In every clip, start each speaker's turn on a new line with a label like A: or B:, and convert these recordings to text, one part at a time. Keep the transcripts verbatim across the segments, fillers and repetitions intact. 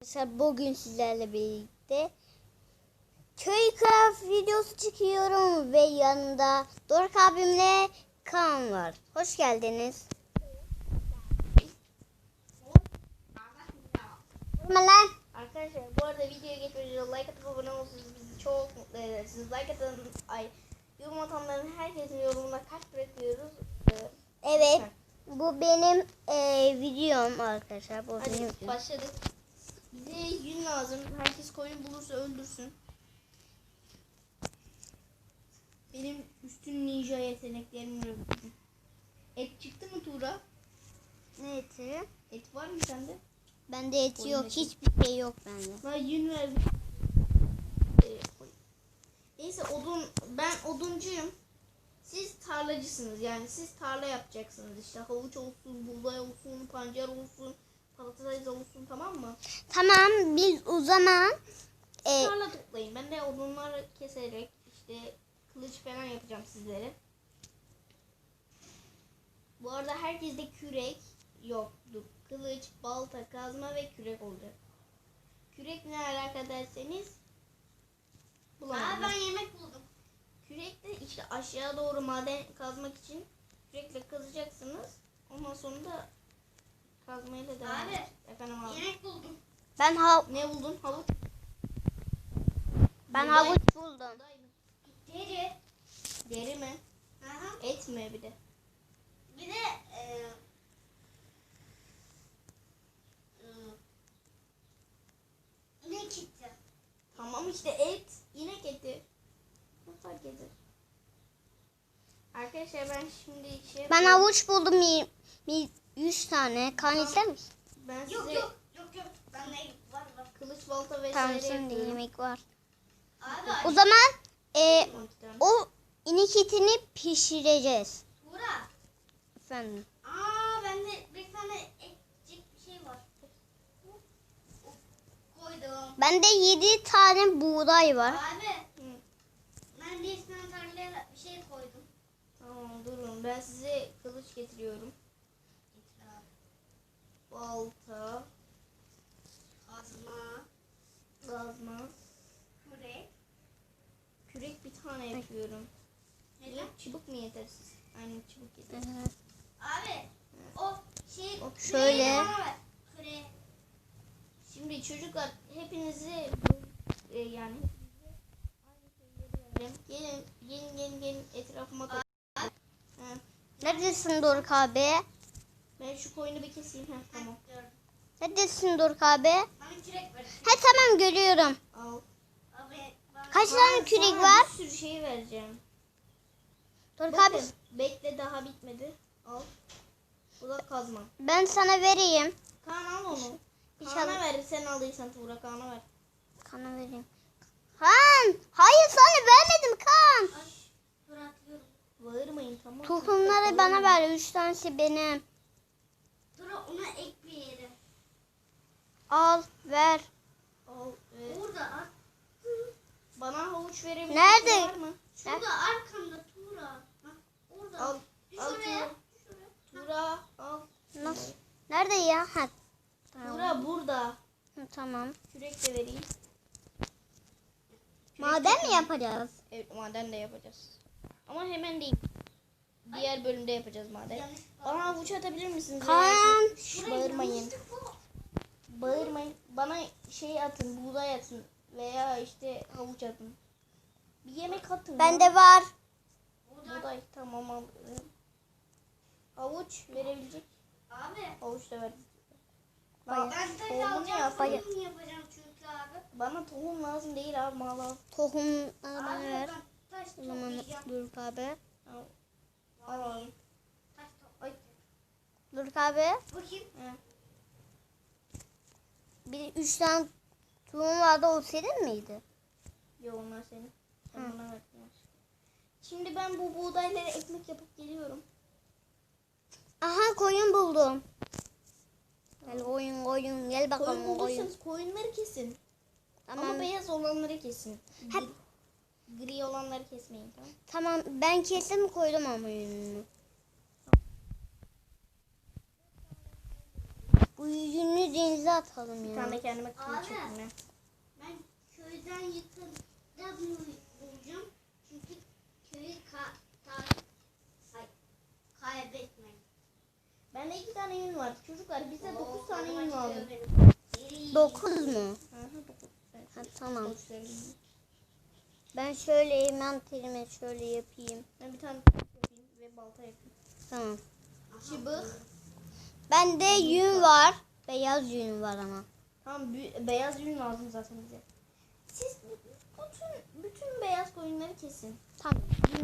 A: Arkadaşlar bugün sizlerle birlikte Köycraft videosu çekiyorum ve yanında Doruk abimle Kaan var. Hoş geldiniz. Lan.
B: Arkadaşlar bu arada videoya geçmeden önce like atıp abone olursanız bizi çok mutlu edersiniz. Like atan, ay, yorum atanların herkesin yorumuna kalp bırakıyoruz. Ee,
A: Evet,
B: lütfen.
A: bu benim e, videom arkadaşlar. Bu benim
B: Hadi
A: videom.
B: başladık. Bize yün lazım. Herkes koyun bulursa öldürsün. Benim üstün ninja yeteneklerim yok. Et çıktı mı Tuğra?
A: Ne eti?
B: Et var mı sende?
A: Bende et
B: Koyun
A: yok.
B: eti.
A: Hiçbir şey yok bende.
B: Bana yün ver. Ee, koy. Neyse odun, ben oduncuyum. Siz tarlacısınız, yani siz tarla yapacaksınız işte, havuç olsun, buğday olsun, pancar olsun, patates olsun, tamam mı?
A: Tamam, biz o zaman e,
B: Tarla toplayın, ben de odunları keserek işte kılıç falan yapacağım sizlere. Bu arada herkeste kürek yoktu. Kılıç, balta, kazma ve kürek olacak. Kürek ne alaka derseniz bulamadım.
C: Aa, ben yemek buldum.
B: Kürekle işte aşağı doğru maden kazmak için kürekle kazacaksınız. Ondan sonra da kazmayla devam
C: Abi,
B: edeceğiz. Efendim abi.
C: Yemek buldum.
A: ben ha
B: Ne buldun? Havuç.
A: ben
B: Buğday-
A: havuç buldum.
B: buğday mı?
C: Deri.
B: Deri mi?
C: Aha.
B: Et mi bir de?
C: Bir de e, e, ne gitti?
B: Tamam işte et. İnek eti. Ne fark eder? Arkadaşlar ben şimdi şey
A: Ben
B: yapıyorum.
A: havuç buldum y- y- yüz tane. Kan ister misin?
B: Ben
C: Yok
B: size
C: yok yok yok. Bende var var.
B: kılıç balta vesaire
A: Tamam, şimdi
B: yapıyorum.
A: yemek var.
C: Abi
A: O zaman e,
B: on iki tane.
A: o inek etini pişireceğiz.
C: Tuğra.
A: Efendim.
C: Aa, bende bir tane ekecek bir şey var. Koydum.
A: Bende yedi tane buğday var.
C: Abi,
B: Hı.
C: ben de üstüne tarlaya bir şey koydum.
B: Tamam durun, ben size kılıç getiriyorum. Balta,
C: Kazma.
B: kazma,
C: Kürek.
B: kürek bir tane yapıyorum.
C: Neden?
B: Niye? Çubuk mu yetersiz? Aynen çubuk yetersiz.
A: Evet.
C: Abi, o şey
A: Bak
C: küreği
A: şöyle.
C: bana ver. Küreği.
B: Şimdi çocuklar hepinizi e, yani aynı şeyleri vereceğim. Gelin, gelin, gelin, gelin etrafıma toplayın. Ha,
A: Neredesin Doruk abi?
B: ben şu koyunu bir keseyim. Ha, tamam.
C: Gördüm.
A: Neredesin Doruk abi?
C: Bana kürek ver.
A: He tamam, görüyorum.
B: Al.
C: Abi, bana
A: Kaç tane kürek
B: Sana
A: var?
B: bir sürü şey vereceğim.
A: Doruk
B: Bakın,
A: abi,
B: bekle, daha bitmedi. Al. Bu da kazma.
A: ben sana vereyim.
B: Kaan al onu.
A: İnşallah.
B: Kaan'a ver, sen aldıysan Tuğra, Kaan'a ver.
A: Kana vereyim. Kan! Hayır, sana vermedim Kan.
C: Ay, dur atıyorum.
B: Bağırmayın, tamam.
A: Tohumları bana ver. Üç tanesi benim.
C: Dur, ona ek bir yere.
A: Al, ver.
B: Al, e,
C: Burada at.
B: bana havuç verebilir
A: Nerede?
B: var mı?
C: Şurada arkamda Tuğra. Bak, orada.
B: Al.
C: Düş
B: Al
C: oraya.
B: Tuğra.
C: Düş oraya.
B: Tuğra al.
A: Nasıl? Nerede ya? Ha. Tamam.
B: Tuğra burada.
A: Hı, tamam.
B: Kürek de vereyim. Kürek
A: Maden
B: de-
A: mi yapacağız?
B: Evet, maden de yapacağız. Ama hemen değil. Diğer bölümde yapacağız maden.
C: Yanlış
B: Bana havuç atabilir misiniz?
A: Kaan!
B: Şş, bağırmayın.
C: Yanlışlık bu.
B: Bağırmayın. Bana şey atın, buğday atın veya işte havuç atın. Bir yemek atın. ya.
A: Bende var.
C: Burada.
B: Buğday tamam al. Havuç verebilecek.
C: Abi.
B: Havuç da ver.
A: Bayağı.
C: Ben taş
B: Tohumunu
C: alacağım.
B: yap.
A: bayağı.
C: Tohum yapacağım çünkü abi.
B: Bana tohum lazım değil abi, mal al.
A: Tohumları bana
C: Abi
A: ver.
C: ben taş
A: O zaman
C: toplayacağım.
A: Doruk abi.
B: Al. Al abi.
C: Taş toplayacağım.
A: Doruk abi.
C: Bakayım.
B: He.
A: Bir üç tane tohum vardı, o senin miydi?
B: Yok, onlar senin. Sen
A: Hı.
B: bana ver. Şimdi ben bu buğdayları ekmek yapıp geliyorum.
A: Aha, koyun buldum. Gel koyun koyun, gel
B: Koyun
A: bakalım koyun.
B: bulduysanız koyunları kesin.
A: Tamam.
B: Ama beyaz olanları kesin.
A: Hep-
B: Gri, gri olanları kesmeyin, tamam.
A: Tamam, ben kesim koydum ama yününü. Bu Bu yüzünü denize atalım
B: Bir
A: ya.
B: tane kendime kılıç
C: Abi.
B: yapayım ya.
C: Ben köyden yıkılacağız mı bulacağım? Çünkü köyü ka ta ay, kaybetmeyin.
B: Bende iki tane yün var. Çocuklar bize dokuz tane yün lazım.
A: Dokuz mu?
B: Hı hı, dokuz. Evet.
A: Ha, tamam.
B: Dokuz tane yün.
A: Ben şöyle envanterime şöyle yapayım.
B: Ben bir tane kılıç yapayım ve balta yapayım.
A: Tamam.
B: Çıbık.
A: Bende yün var. Beyaz yün var ama.
B: Tamam bü- beyaz yün lazım zaten bize. Siz bütün bütün beyaz koyunları kesin.
A: Tamam.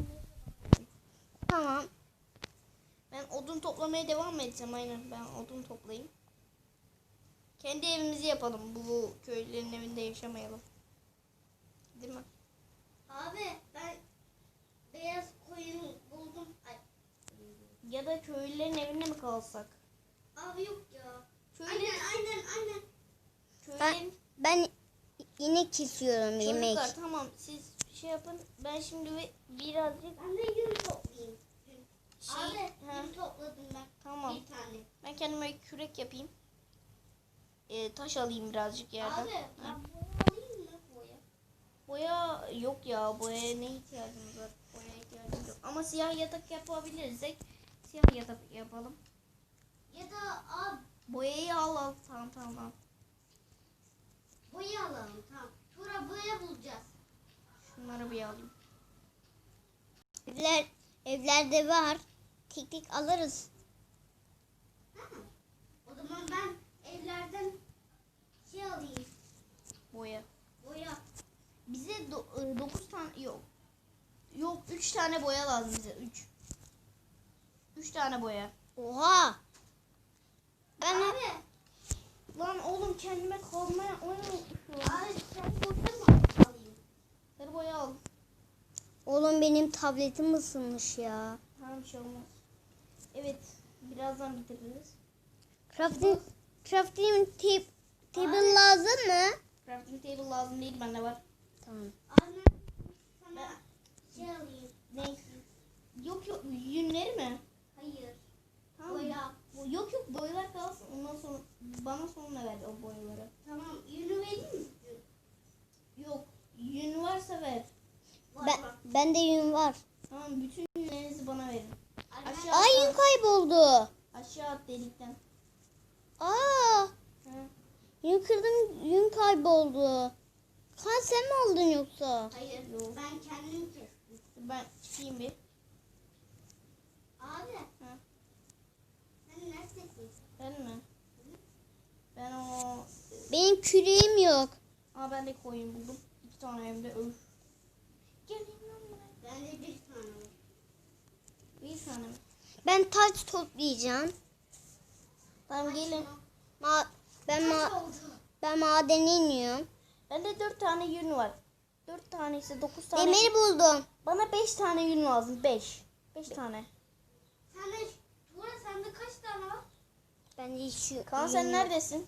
A: Tamam.
B: Ben odun toplamaya devam edeceğim aynen. Ben odun toplayayım. Kendi evimizi yapalım. Bu köylülerin evinde yaşamayalım. Değil mi?
C: Abi ben beyaz koyun buldum. Ay,
B: Ya da köylülerin evinde mi kalsak?
C: abi yok ya.
B: Köylülerin,
C: Aynen aynen aynen.
A: Ben,
B: köylülerin
A: ben yine kesiyorum yemek.
B: çocuklar tamam siz şey yapın. Ben şimdi bir, birazcık
C: Ben de yün toplayayım. Yün.
B: şey
C: Abi
B: ha,
C: yün topladım ben.
B: tamam.
C: Bir tane.
B: Ben kendime kürek yapayım. Ee, taş alayım birazcık yerden.
C: Abi
B: Ha.
C: ben boya alayım mı boya?
B: Boya yok ya. Boyaya ne ihtiyacımız var? Boyaya ihtiyacımız yok. Ama siyah yatak yapabilirsek siyah yatak yapalım.
C: Ya da abi
B: Boyayı al al. Tamam tamam al.
C: boya alalım tamam. Sonra boya bulacağız.
B: Şunları bir alayım.
A: Evler, evlerde var. Tek tek alırız.
C: Ha. O zaman ben evlerden şey alayım.
B: Boya.
C: Boya.
B: Bize dokuz tane yok. Yok üç tane boya lazım bize. üç. üç tane boya.
A: Oha. Ben
C: Abi.
B: Lan oğlum kendime kalmaya unutmuşum.
C: Abi sen boya mı alayım?
B: Sarı boya al.
A: oğlum benim tabletim ısınmış ya.
B: Tamam bir şey olmaz. Evet. Birazdan bitiririz.
A: Crafting, crafting tip, table lazım mı?
B: Crafting table lazım değil bende var.
A: Tamam.
C: Abi ben sana şey alayım.
B: Ne? Yok yok yünleri mi?
C: Hayır.
B: Tamam.
C: Boya.
B: Bu- Yok yok boyalar kalsın. Ondan sonra bana sonra ver o boyaları.
C: Tamam. Yünü vereyim mi?
B: Yok yün varsa ver.
C: Var
A: Ben,
C: var.
A: bende yün var.
B: Tamam bütün yünlerinizi bana verin.
C: Abi ben-
B: Aşağı
A: Ay yün kayboldu.
B: aşağı at delikten.
A: Aa,
B: Ha.
A: yün kırdım, yün kayboldu. Kan sen mi aldın yoksa?
C: Hayır.
B: Yok.
C: Ben kendim kestim.
B: Ben çıkayım bir.
C: Abi.
B: Ha.
C: Sen neredesin?
B: Ben mi? Ben o...
A: Benim küreğim yok.
B: Aa ben de koyun buldum. İki tane hem de öf. Gelin lan buraya.
C: Bende bir tane var.
B: Bir tane mi?
A: Ben taş toplayacağım.
B: Tamam gelin.
A: Ma ben
C: Kaç
A: ma
C: oldu?
A: ben madene iniyorum.
B: Bende dört tane yün var. Dört tane ise dokuz tane.
A: Demir buldum.
B: Bana beş tane yün lazım. Beş. Beş tane.
C: Sende, Tuğra sende kaç tane var?
A: Ben de hiç yok.
B: Kaan sen neredesin?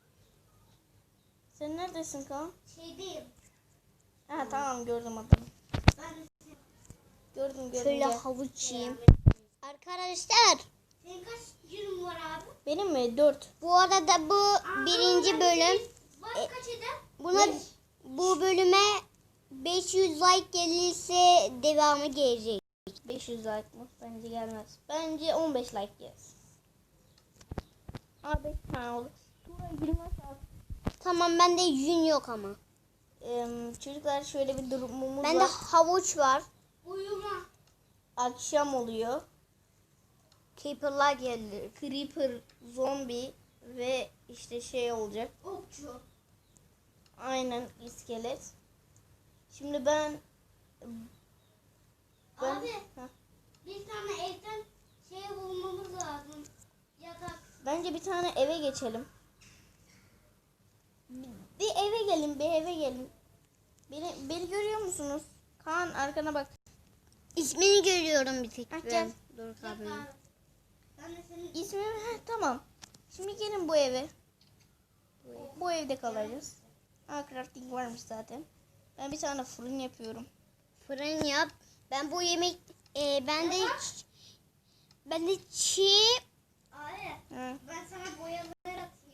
B: Sen neredesin Kaan?
C: Şeydeyim.
B: Ha tamam gördüm adamı.
C: Ben de
B: Gördüm gördüm.
A: Şöyle
B: gel.
A: havuç yiyeyim.
C: senin,
A: Arkadaşlar
C: senin kaç yünün var abi?
B: Benim mi? Dört.
A: bu arada bu
C: Aa,
A: birinci
C: bende
A: bölüm.
C: bir- Var
A: E,
C: kaç eder?
A: Buna
B: Beş.
A: bu bölüme beş yüz like gelirse devamı gelecek.
B: beş yüz like mı? Bence gelmez. Bence on beş like gelsin. Aa beş tane olur. Tuğra yirmi saat.
A: Tamam bende yün yok ama.
B: Ee, çocuklar şöyle bir durumumuz
A: Bende
B: var.
A: havuç var.
C: Uyuma.
B: Akşam oluyor.
A: Creeper'lar geldi.
B: Creeper, zombi ve işte şey olacak.
C: Okçu.
B: Aynen iskelet. Şimdi ben ben
C: Abi
B: Heh.
C: bir tane evden şey bulmamız lazım. Yatak.
B: Bence bir tane eve geçelim. Bir, bir eve gelin, bir eve gelin. Beni, beni görüyor musunuz? Kaan arkana bak.
A: İsmini görüyorum bir tek.
B: Ha,
A: ben.
B: gel.
A: Dur
C: Yatak
A: abi.
C: abi. Ben de senin
B: İsmim heh, tamam. Şimdi gelin bu eve. Bu evde kalacağız. Aa crafting varmış zaten. Ben bir tane fırın yapıyorum.
A: Fırın yap. Ben bu yemek e, ben de ben de çiğ
C: Abi
B: Ha.
C: ben sana boyaları atayım.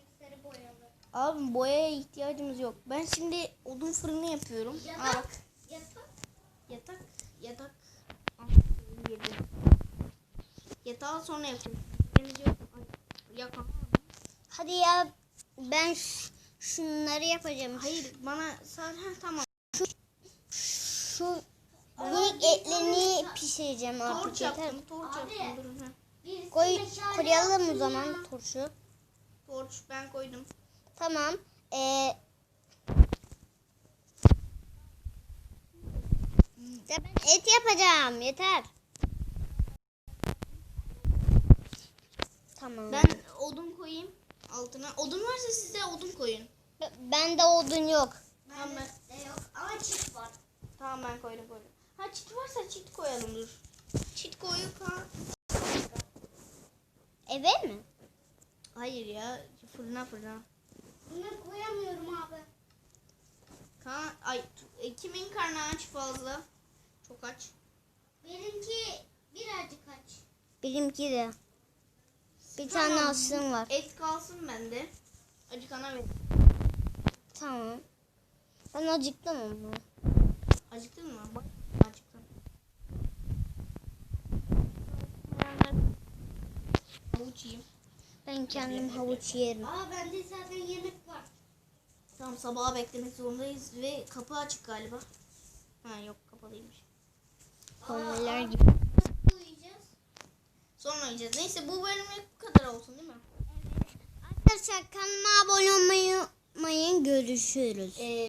B: Abi boyaya ihtiyacımız yok. Ben şimdi odun fırını yapıyorum. Aa
C: Yatak.
B: bak.
C: Yatak.
B: Yatak. Yatak. Aa, girdi. Yatağı sonra yapıyorum. Deniz yok. Ay, yakan.
A: Hadi ya ben ş- şunları yapacağım.
B: Hayır bana sadece ha, tamam.
A: Şu minik etlerini pişireceğim artık
B: Torç
A: yeter.
B: yaptım. Torç
C: Abi.
B: yaptım. Durun ha.
C: Birisi
A: Koy,
C: meşale
A: koyalım o
C: yapsın
A: zaman
C: ya.
A: turşu.
B: Torç ben koydum.
A: Tamam. Ee, ya ben et yapacağım yeter. Tamam.
B: Ben odun koyayım altına. Odun varsa siz de odun koyun.
A: B- bende odun yok.
B: Tamam ben.
C: Bende de yok ama çift var.
B: Tamam ben koydum koydum. Ha çit varsa çit koyalım dur. Çit koyup ha.
A: Eve mi?
B: Hayır ya fırına fırına.
C: Bunu koyamıyorum abi.
B: Kaan, ay e, kimin karnı aç fazla? Çok aç.
C: Benimki birazcık aç.
A: Benimki de. Bir
B: Tamam.
A: tane aslım var.
B: Et kalsın bende. Acıkana ver.
A: Tamam. Ben acıktım ama.
B: Acıktın mı? Bak acıktım. Havuç yiyeyim.
A: Ben kendim havuç yerim.
C: Aa bende zaten yemek var.
B: Tamam sabaha beklemek zorundayız ve kapı açık galiba. Ha yok kapalıymış.
A: Kombiler
C: Aa,
A: gibi.
C: nasıl uyuyacağız?
B: Sonra yiyeceğiz. Neyse bu bölümlük bu kadar olsun değil mi?
A: Arkadaşlar kanalıma abone olmayı unutmayın. Görüşürüz.
B: Ee,